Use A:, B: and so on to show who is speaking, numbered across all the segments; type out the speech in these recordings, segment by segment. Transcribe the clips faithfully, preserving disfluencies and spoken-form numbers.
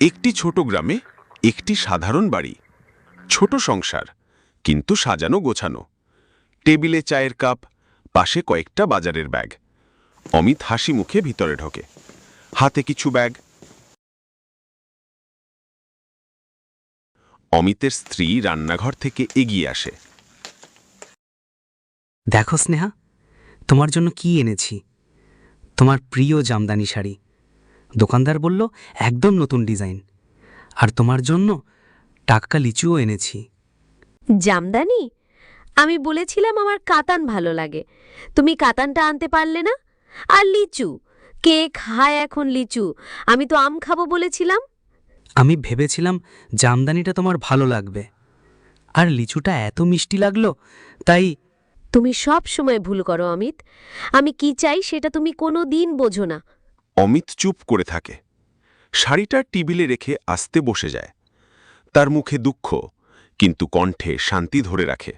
A: একটি ছোট গ্রামে একটি সাধারণ বাড়ি, ছোট সংসার কিন্তু সাজানো গোছানো। টেবিলে চায়ের কাপ, পাশে কয়েকটা বাজারের ব্যাগ। অমিত হাসি মুখে ভিতরে ঢোকে, হাতে কিছু ব্যাগ। অমিতের স্ত্রী রান্নাঘর থেকে এগিয়ে আসে।
B: দেখো স্নেহা, তোমার জন্য কি এনেছি। তোমার প্রিয় জামদানি শাড়ি। দোকানদার বলল একদম নতুন ডিজাইন। আর তোমার জন্য টাটকা লিচুও এনেছি।
C: জামদানি? আমি বলেছিলাম আমার কাতান ভালো লাগে, তুমি কাতানটা আনতে পারলে না। আর লিচু, কে খায় এখন লিচু? আমি তো আম খাবো বলেছিলাম।
B: আমি ভেবেছিলাম জামদানিটা তোমার ভালো লাগবে, আর লিচুটা এত মিষ্টি লাগলো, তাই।
C: তুমি সব সময় ভুল করো অমিত। আমি কি চাই সেটা তুমি কোনো দিন বোঝো না।
A: অমিত চুপ করে থাকে, শাড়িটা টেবিলে রেখে আস্তে বসে যায়। তার মুখে দুঃখ, কিন্তু কণ্ঠে শান্তি ধরে রাখে।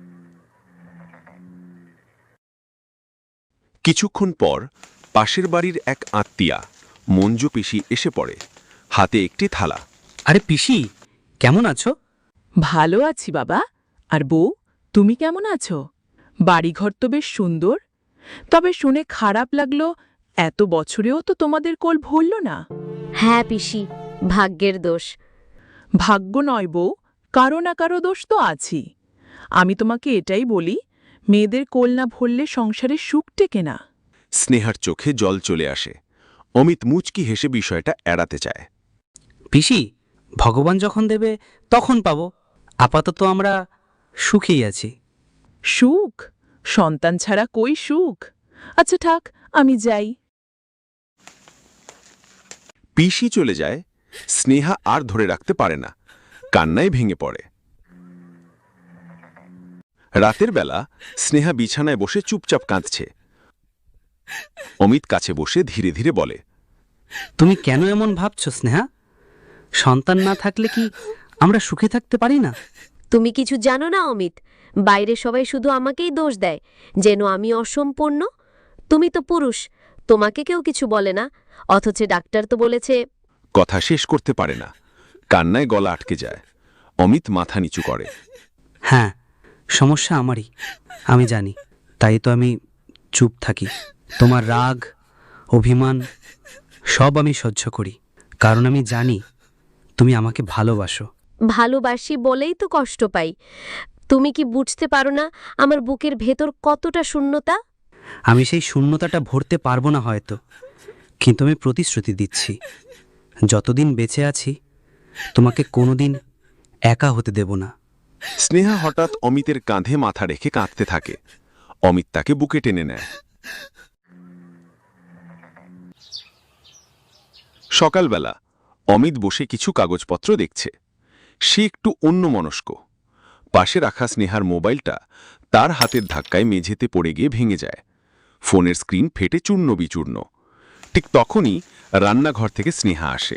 A: কিছুক্ষণ পর পাশের বাড়ির এক আত্মীয়া মঞ্জু পিসি এসে পড়ে, হাতে একটি থালা।
B: আরে পিসি, কেমন আছো?
D: ভালো আছি বাবা। আর বউ, তুমি কেমন আছো? বাড়িঘর তো বেশ সুন্দর, তবে শুনে খারাপ লাগলো এত বছরেও তো তোমাদের কোল ভরল না।
C: হ্যাঁ পিসি, ভাগ্যের দোষ।
D: ভাগ্য নয় বউ, কারো না কারো দোষ তো আছেই। আমি তোমাকে এটাই বলি, মেয়েদের কোল না ভরলে সংসারে সুখ টেকে না।
A: স্নেহার চোখে জল চলে আসে। অমিত মুচকি হেসে বিষয়টা এড়াতে চায়।
B: পিসি, ভগবান যখন দেবে তখন পাবো। আপাতত আমরা সুখেই আছি।
D: সুখ? সন্তান ছাড়া কই সুখ? আচ্ছা থাক, আমি যাই।
A: পিসি চলে যায়। স্নেহা আর ধরে রাখতে পারে না, কান্নায় ভেঙে পড়ে। রাতের বেলা স্নেহা বিছানায় বসে চুপচাপ কাঁদছে। অমিত কাছে বসে ধীরে ধীরে বলে,
B: তুমি কেন এমন ভাবছো স্নেহা? সন্তান না থাকলে কি আমরা সুখে থাকতে পারি না?
C: তুমি কিছু জানো না অমিত, বাইরে সবাই শুধু আমাকেই দোষ দেয়, যেন আমি অসম্পূর্ণ। তুমি তো পুরুষ, তোমাকে কেউ কিছু বলে না, অথচ ডাক্তার তো বলেছে।
A: কথা শেষ করতে পারে না, কান্নায় গলা আটকে যায়। অমিত মাথা নিচু করে।
B: হ্যাঁ, সমস্যা আমারই, আমি জানি। তাই তো আমি চুপ থাকি। তোমার রাগ, অভিমান সব আমি সহ্য করি, কারণ আমি জানি তুমি আমাকে ভালোবাসো।
C: ভালোবাসি বলেই তো কষ্ট পাই। তুমি কি বুঝতে পারো না আমার বুকের ভেতর কতটা শূন্যতা?
B: আমি সেই শূন্যতাটা ভরতে পারবো না হয়তো, কিন্তু আমি প্রতিশ্রুতি দিচ্ছি, যতদিন বেঁচে আছি তোমাকে কোনোদিন একা হতে দেব না।
A: স্নেহা হঠাৎ অমিতের কাঁধে মাথা রেখে কাঁদতে থাকে। অমিত তাকে বুকে টেনে নেয়। সকালবেলা অমিত বসে কিছু কাগজপত্র দেখছে। সে একটু অন্যমনস্ক। পাশে রাখা স্নেহার মোবাইলটা তার হাতের ধাক্কায় মেঝেতে পড়ে গিয়ে ভেঙে যায়। ফোনের স্ক্রিন ফেটে চূর্ণ বিচূর্ণ। ঠিক তখনই রান্নাঘর থেকে স্নেহা আসে।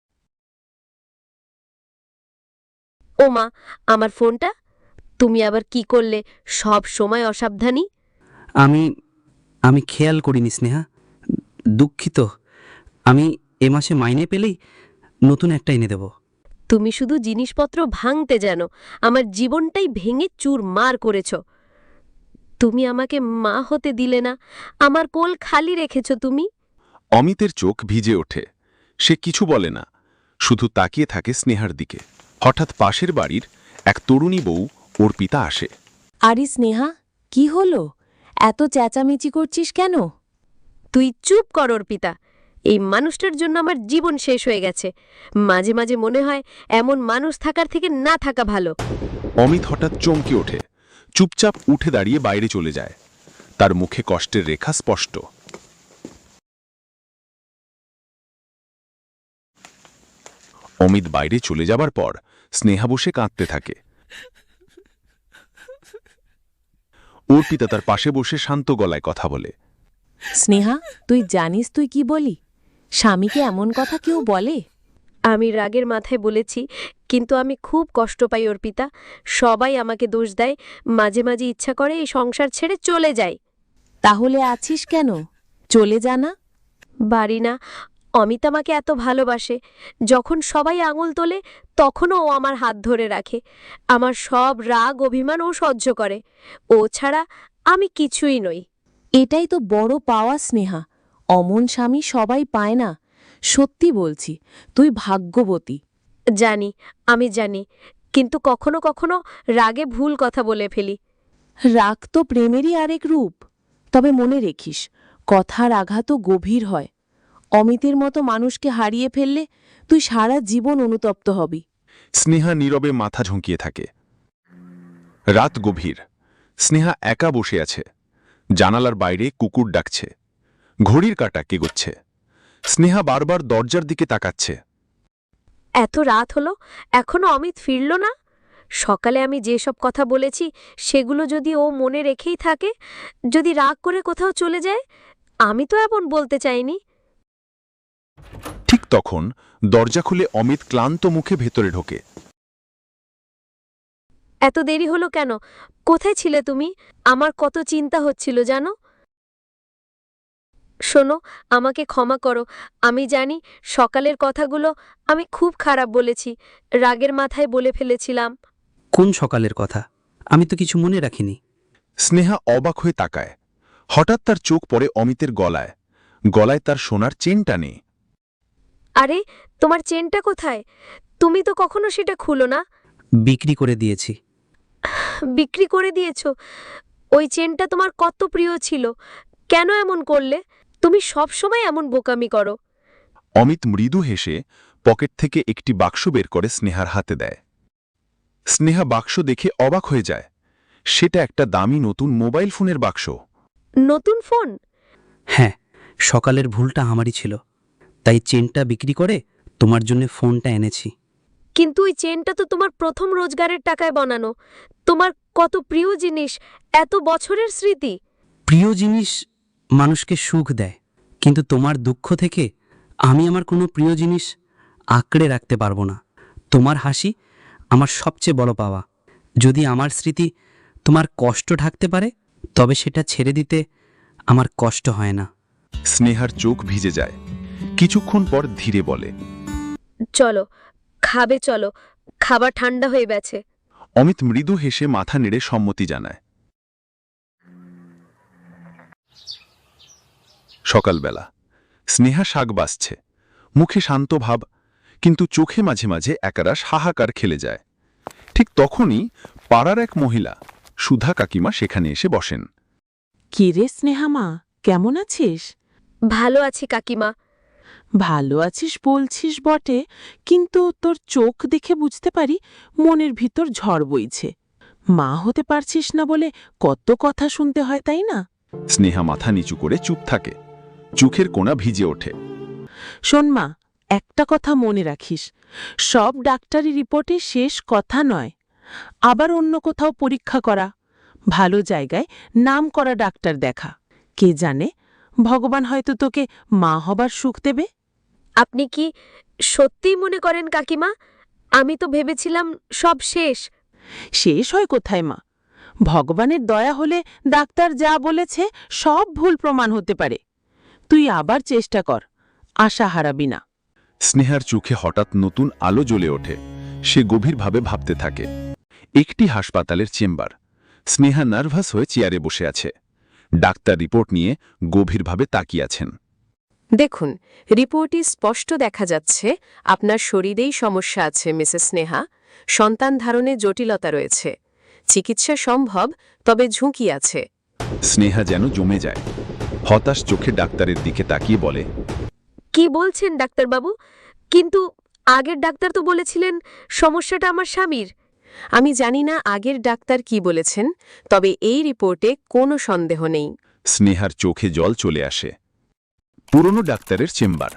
C: ও মা, আমার ফোনটা তুমি আবার কি করলে? সব সময় অসাবধানী।
B: আমি আমি খেয়াল করিনি স্নেহা, দুঃখিত। আমি এ মাসে মাইনে পেলেই নতুন একটা এনে দেব।
C: তুমি শুধু জিনিসপত্র ভাঙতে জানো, আমার জীবনটাই ভেঙে চুরমার করেছ। তুমি আমাকে মা হতে দিলে না, আমার কোল খালি রেখেছ তুমি।
A: অমিতের চোখ ভিজে ওঠে। সে কিছু বলে না, শুধু তাকিয়ে থাকে স্নেহার দিকে। হঠাৎ পাশের বাড়ির এক তরুণী বউ অর্পিতা আসে।
E: আরে স্নেহা, কি হলো? এত চেঁচামেচি করছিস কেন?
C: তুই চুপ কর অর্পিতা। এই মানুষটার জন্য আমার জীবন শেষ হয়ে গেছে। মাঝে মাঝে মনে হয় এমন মানুষ থাকার থেকে না থাকা ভালো।
A: অমিত হঠাৎ চমকে ওঠে, চুপচাপ উঠে দাঁড়িয়ে বাইরে চলে যায়। তার মুখে কষ্টের রেখা স্পষ্ট। অমিত বাইরে চলে যাবার পর স্নেহা বসে কাঁদতে থাকে। অর্পিতা তার পাশে বসে শান্ত গলায় কথা বলে।
E: স্নেহা, তুই জানিস তুই কি বলি? স্বামীকে এমন কথা কেউ বলে?
C: আমি রাগের মাথায় বলেছি, কিন্তু আমি খুব কষ্ট পাই অর্পিতা। সবাই আমাকে দোষ দেয়, মাঝে মাঝে ইচ্ছা করে এই সংসার ছেড়ে চলে যাই।
E: তাহলে আছিস কেন? চলে যা না।
C: বাড়ি না, অমিত আমাকে এত ভালোবাসে, যখন সবাই আঙুল তোলে তখনও ও আমার হাত ধরে রাখে। আমার সব রাগ অভিমান ও সহ্য করে। ও ছাড়া আমি কিছুই নই।
E: এটাই তো বড় পাওয়া স্নেহা। অমন স্বামী সবাই পায় না। সত্যি বলছি, তুই ভাগ্যবতী।
C: জানি, আমি জানি, কিন্তু কখনো কখনো রাগে ভুল কথা বলে ফেলি।
E: রাগ তো প্রেমেরই আরেক রূপ। তবে মনে রেখিস, কথার আঘাতও গভীর হয়। অমিতের মতো মানুষকে হারিয়ে ফেললে তুই সারা জীবন অনুতপ্ত হবি।
A: স্নেহা নীরবে মাথা ঝুঁকিয়ে থাকে। রাত গভীর। স্নেহা একা বসে আছে। জানালার বাইরে কুকুর ডাকছে। ঘড়ির কাঁটা কেগোচ্ছে। স্নেহা বারবার দরজার দিকে তাকাচ্ছে।
C: এত রাত হলো, এখনো অমিত ফিরল না। সকালে আমি যেসব কথা বলেছি সেগুলো যদি ও মনে রেখেই থাকে, যদি রাগ করে কোথাও চলে যায়, আমি তো এমন বলতে চাইনি।
A: ঠিক তখন দরজা খুলে অমিত ক্লান্ত মুখে ভেতরে ঢোকে।
C: এত দেরি হলো কেন? কোথায় ছিলে তুমি? আমার কত চিন্তা হচ্ছিল জানো। শোনো, আমাকে ক্ষমা করো। আমি জানি সকালের কথাগুলো আমি খুব খারাপ বলেছি, রাগের মাথায় বলে ফেলেছিলাম।
B: কোন সকালের কথা? আমি তো কিছু মনে রাখিনি।
A: স্নেহা অবাক হয়ে তাকায়। হঠাৎ তার চোখ পড়ে অমিতের গলায়। গলায় তার সোনার চেনটা নেই।
C: আরে, তোমার চেনটা কোথায়? তুমি তো কখনো সেটা খুলো না।
B: বিক্রি করে দিয়েছি।
C: বিক্রি করে দিয়েছ? ওই চেনটা তোমার কত প্রিয় ছিল। কেন এমন করলে? তুমি সবসময় এমন বোকামি করো।
A: অমিত মৃদু হেসে পকেট থেকে একটি বাক্স বের করে স্নেহার হাতে দেয়। স্নেহা বাক্স দেখে অবাক হয়ে যায়। সেটা একটা দামি নতুন মোবাইল ফোনের বাক্স।
C: নতুন ফোন?
B: হ্যাঁ, সকালের ভুলটা আমারই ছিল। তাই চেনটা বিক্রি করে তোমার জন্য ফোনটা এনেছি।
C: কিন্তু ওই চেনটা তো তোমার প্রথম রোজগারের টাকায় বানানো। তোমার কত প্রিয় জিনিস, এত বছরের স্মৃতি।
B: প্রিয় জিনিস মানুষকে সুখ দেয়, কিন্তু তোমার দুঃখ থেকে আমি আমার কোনো প্রিয় জিনিস আঁকড়ে রাখতে পারবো না। তোমার হাসি আমার সবচেয়ে বড় পাওয়া। যদি আমার স্মৃতি তোমার কষ্ট ঢাকতে পারে, তবে সেটা ছেড়ে দিতে আমার কষ্ট হয় না।
A: স্নেহার চোখ ভিজে যায়। কিছুক্ষণ পর ধীরে বলে,
C: চলো, খাবে চলো, খাবার ঠান্ডা হয়ে গেছে।
A: অমিত মৃদু হেসে মাথা নেড়ে সম্মতি জানায়। সকালবেলা স্নেহা শাক বাসছে। মুখে শান্ত ভাব, কিন্তু চোখে মাঝে মাঝে একরাশ হাহাকার খেলে যায়। ঠিক তখনই পাড়ার এক মহিলা সুধা কাকিমা সেখানে এসে বসেন।
D: কি রে স্নেহামা, কেমন আছিস?
C: ভালো আছি কাকিমা।
D: ভালো আছিস বলছিস বটে, কিন্তু তোর চোখ দেখে বুঝতে পারি মনের ভিতর ঝড় বইছে। মা হতে পারছিস না বলে কত কথা শুনতে হয়, তাই না?
A: স্নেহা মাথা নিচু করে চুপ থাকে। চোখের কোণা ভিজে ওঠে।
D: শোন মা, একটা কথা মনে রাখিস, সব ডাক্তারি রিপোর্টে শেষ কথা নয়। আবার অন্য কোথাও পরীক্ষা করা, ভালো জায়গায় নাম করা ডাক্তার দেখা। কে জানে, ভগবান হয়তো তোকে মা হবার সুখ দেবে।
C: আপনি কি সত্যিই মনে করেন কাকিমা? আমি তো ভেবেছিলাম সব শেষ।
D: শেষ হয় কোথায় মা? ভগবানের দয়া হলে ডাক্তার যা বলেছে সব ভুল প্রমাণ হতে পারে। তুই আবার চেষ্টা কর, আশা হারাবি না।
A: স্নেহার চোখে হঠাৎ নতুন আলো জ্বলে ওঠে। সে গভীরভাবে ভাবতে থাকে। একটি হাসপাতালের চেম্বার। স্নেহা নার্ভাস হয়ে চেয়ারে বসে আছে। ডাক্তার রিপোর্ট নিয়ে গভীরভাবে তাকিয়ে আছেন।
F: দেখুন, রিপোর্টে স্পষ্ট দেখা যাচ্ছে আপনার শরীরেই সমস্যা আছে মিসেস স্নেহা। সন্তান ধারণে জটিলতা রয়েছে। চিকিৎসা সম্ভব, তবে ঝুঁকি আছে।
A: স্নেহা যেন জমে যায়। হতাশ চোখে ডাক্তারের দিকে তাকিয়ে বলে,
C: কি বলছেন ডাক্তারবাবু? কিন্তু আগের ডাক্তার তো বলেছিলেন সমস্যাটা আমার স্বামীর।
F: আমি জানি না আগের ডাক্তার কি বলেছেন, তবে এই রিপোর্টে কোনো সন্দেহ নেই।
A: স্নেহার চোখে জল চলে আসে। পুরনো ডাক্তারের চেম্বার।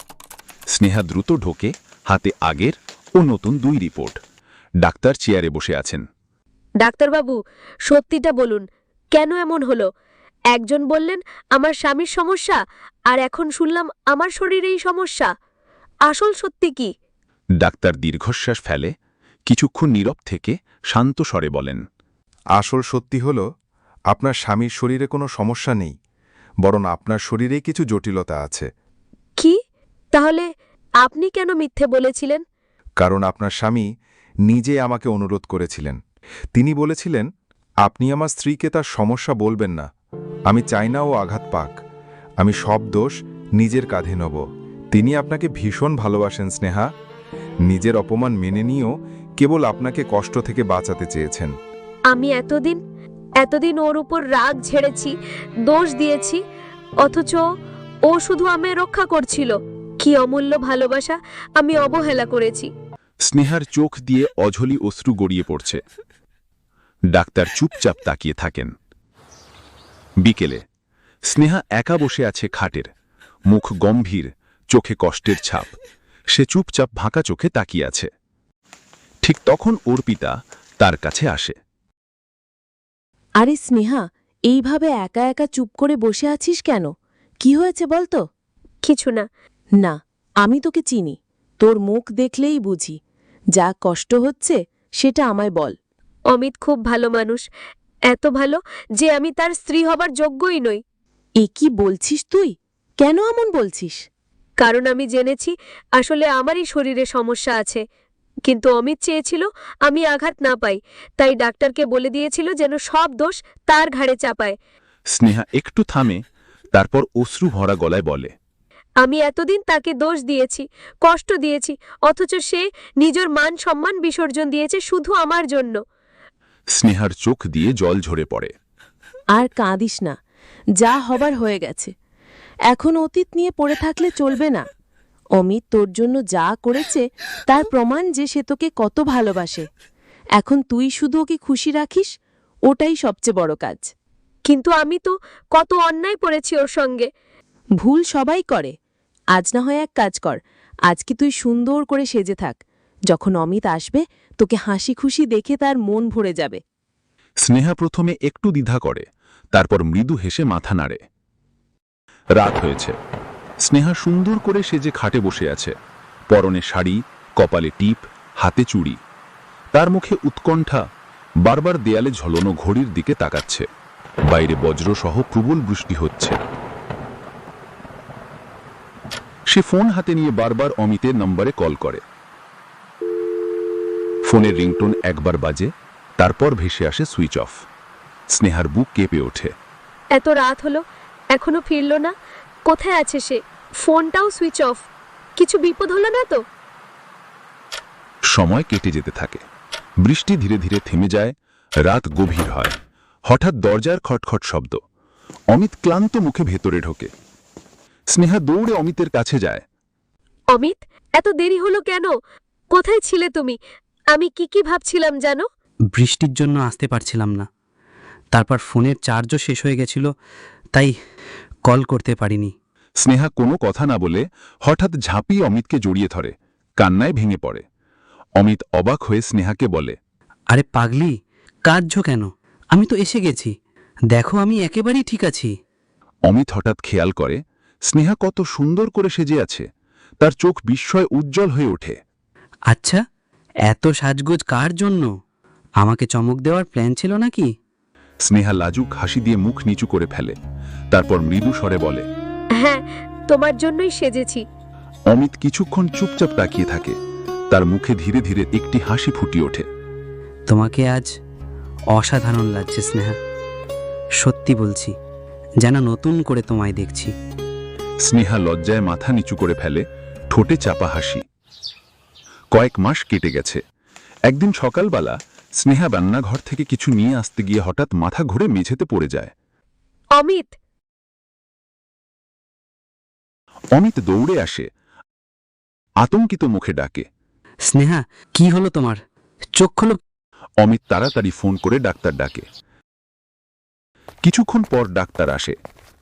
A: স্নেহা দ্রুত ঢোকে, হাতে আগের ও নতুন দুই রিপোর্ট। ডাক্তার চেয়ারে বসে আছেন।
C: ডাক্তারবাবু, সত্যিটা বলুন, কেন এমন হলো? একজন বললেন আমার স্বামীর সমস্যা, আর এখন শুনলাম আমার শরীরেই সমস্যা। আসল সত্যি কি?
A: ডাক্তার দীর্ঘশ্বাস ফেলে, কিছুক্ষণ নীরব থেকে শান্ত স্বরে বলেন,
G: আসল সত্যি হল, আপনার স্বামীর শরীরে কোনো সমস্যা নেই, বরং আপনার শরীরে কিছু জটিলতা আছে।
C: কি? তাহলে আপনি কেন মিথ্যে বলেছিলেন?
G: কারণ আপনার স্বামী নিজে আমাকে অনুরোধ করেছিলেন। তিনি বলেছিলেন, আপনি আমার স্ত্রীকে তার সমস্যা বলবেন না। আমি চাই না ও আঘাত পাক। আমি সব দোষ নিজের কাঁধে নেব। তিনি আপনাকে ভীষণ ভালোবাসেন স্নেহা। নিজের অপমান মেনে নিয়েও কেবল আপনাকে কষ্ট থেকে বাঁচাতে চেয়েছেন।
C: আমি এতদিন এতদিন ওর উপর রাগ ঝেড়েছি, দোষ দিয়েছি, অথচ ও শুধু আমায় রক্ষা করছিল। কি অমূল্য ভালোবাসা আমি অবহেলা করেছি।
A: স্নেহার চোখ দিয়ে অঝলি অশ্রু গড়িয়ে পড়ছে। ডাক্তার চুপচাপ তাকিয়ে থাকেন। বিকেলে স্নেহা একা বসে আছে খাটের, মুখ গম্ভীর, চোখে কষ্টের ছাপ। সে চুপচাপ ভাঁকা চোখে তাকিয়ে আছে। ঠিক তখন অর্পিতা তার কাছে আসে।
E: আরে স্নেহা, এইভাবে একা একা চুপ করে বসে আছিস কেন? কি হয়েছে বল তো?
C: কিছু না।
E: না, আমি তোকে চিনি। তোর মুখ দেখলেই বুঝি যা কষ্ট হচ্ছে সেটা আমায় বল।
C: অমিত খুব ভালো মানুষ, এত ভালো যে আমি তার স্ত্রী হবার যোগ্যই নই।
E: এ কি বলছিস তুই? কেন এমন বলছিস?
C: কারণ আমি জেনেছি আসলে আমারই শরীরে সমস্যা আছে, কিন্তু অমিত চেয়েছিল আমি আঘাত না পাই, তাই ডাক্তারকে বলে দিয়েছিল যেন সব দোষ তার ঘাড়ে চাপায়।
A: স্নেহা একটু থামে, তারপর অশ্রু ভরা গলায় বলে,
C: আমি এতদিন তাকে দোষ দিয়েছি, কষ্ট দিয়েছি, অথচ সে নিজের মান সম্মান বিসর্জন দিয়েছে শুধু আমার জন্য।
A: স্নেহার চোখ দিয়ে জল ঝরে পড়ে।
E: আর কাঁদিস না, যা হবার হয়ে গেছে। এখন অতীত নিয়ে পড়ে থাকলে চলবে না। অমিত তোর জন্য যা করেছে তার প্রমাণ যে সে তোকে কত ভালোবাসে। এখন তুই শুধু ওকে খুশি রাখিস, ওটাই সবচেয়ে বড় কাজ।
C: কিন্তু আমি তো কত অন্যায় করেছি ওর সঙ্গে।
E: ভুল সবাই করে। আজ না হয় এক কাজ কর, আজকে তুই সুন্দর করে সেজে থাক। যখন অমিত আসবে তোকে হাসি খুশি দেখে তার মন ভরে যাবে।
A: স্নেহা প্রথমে একটু দ্বিধা করে, তারপর মৃদু হেসে মাথা নাড়ে। রাত হয়েছে। স্নেহা সুন্দর করে সেজে খাটে বসে আছে, পরনে শাড়ি, কপালে টিপ, হাতে চুড়ি। তার মুখে উৎকণ্ঠা, বারবার দেয়ালে ঝলনো ঘড়ির দিকে তাকাচ্ছে। বাইরে বজ্রসহ প্রবল বৃষ্টি হচ্ছে। সে ফোন হাতে নিয়ে বারবার অমিতের নম্বরে কল করে। ফোনের রিংটোন একবার বাজে, তারপর ভেসে আসে সুইচ অফ। স্নেহার বুক কেঁপে ওঠে।
C: এত রাত হলো, এখনো ফিরল না। কোথায় আছে সে? ফোনটাও সুইচ অফ। কিছু বিপদ হলো না তো?
A: সময় কেটে যেতে থাকে। বৃষ্টি ধীরে ধীরে থেমে যায়, রাত গভীর হয়। হঠাৎ দরজার খটখট শব্দ। অমিত ক্লান্ত মুখে ভেতরে ঢোকে। স্নেহা দৌড়ে অমিতের কাছে যায়।
C: অমিত, এত দেরি হলো কেন? কোথায় ছিলে তুমি? আমি কি কি ভাবছিলাম জানো?
B: বৃষ্টির জন্য আসতে পারছিলাম না। তারপর ফোনের চার্জও শেষ হয়ে গেছিল, তাই কল করতে পারিনি।
A: স্নেহা কোনো কথা না বলে হঠাৎ ঝাঁপিয়ে অমিতকে জড়িয়ে ধরে, কান্নায় ভেঙে পড়ে। অমিত অবাক হয়ে স্নেহাকে বলে,
B: আরে পাগলি, কাঁদছো কেন? আমি তো এসে গেছি। দেখো, আমি একেবারেই ঠিক আছি।
A: অমিত হঠাৎ খেয়াল করে স্নেহা কত সুন্দর করে সেজে আছে। তার চোখ বিস্ময় উজ্জ্বল হয়ে ওঠে।
B: আচ্ছা, এত সাজগোজ কার জন্য? আমাকে চমক দেওয়ার প্ল্যান ছিল নাকি?
A: স্নেহা লাজুক হাসি দিয়ে মুখ নিচু করে ফেলে, তারপর মৃদু স্বরে বলে,
C: হ্যাঁ, তোমার জন্যই সেজেছি।
A: অমিত কিছুক্ষণ চুপচাপ তাকিয়ে থাকে। তার মুখে ধীরে ধীরে একটি হাসি ফুটিয়ে ওঠে।
B: তোমাকে আজ অসাধারণ লাগছে স্নেহা। সত্যি বলছি, যেন নতুন করে তোমায় দেখছি।
A: স্নেহা লজ্জায় মাথা নিচু করে ফেলে, ঠোঁটে চাপা হাসি। কয়েক মাস কেটে গেছে। একদিন সকালবেলা স্নেহা রান্নাঘর থেকে কিছু নিয়ে আসতে গিয়ে হঠাৎ মাথা ঘুরে মেঝেতে পড়ে যায়।
C: অমিত!
A: অমিত দৌড়ে আসে, আতঙ্কিত মুখে ডাকে,
B: স্নেহা, কি হলো তোমার? চোখ খোলো।
A: অমিত তাড়াতাড়ি ফোন করে ডাক্তার ডাকে। কিছুক্ষণ পর ডাক্তার আসে।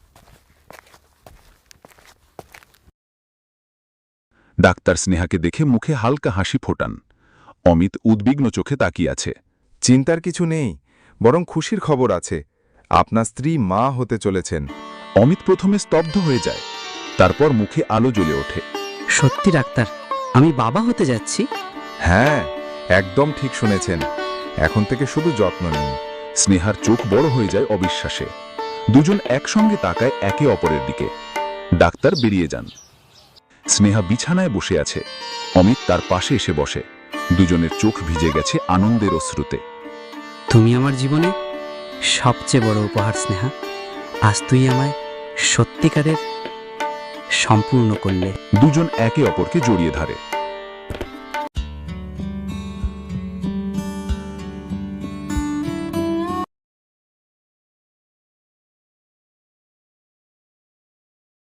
A: ডাক্তার স্নেহাকে দেখে মুখে হালকা হাসি ফোটান। অমিত উদ্বিগ্ন চোখে তাকিয়ে আছে।
G: চিন্তার কিছু নেই, বরং খুশির খবর আছে। আপনার স্ত্রী মা হতে চলেছেন।
A: অমিত প্রথমে স্তব্ধ হয়ে যায়, তারপর মুখে আলো জ্বলে ওঠে।
B: সত্যি ডাক্তার, আমি বাবা হতে যাচ্ছি?
G: হ্যাঁ, একদম ঠিক শুনেছেন। এখন থেকে শুধু যত্ন নিন।
A: স্নেহার চোখ বড় হয়ে যায় অবিশ্বাসে। দুজন একসঙ্গে তাকায় একে অপরের দিকে। ডাক্তার বেরিয়ে যান। স্নেহা বিছানায় বসে আছে, অমিত তার পাশে এসে বসে। দুজনের চোখ ভিজে গেছে আনন্দের অশ্রুতে।
B: তুমি আমার জীবনে সবচেয়ে বড় উপহার স্নেহা। আজ তুই আমায় সত্যিকারের সম্পূর্ণ করলে।
A: দুজন একে অপরকে জড়িয়ে ধরে।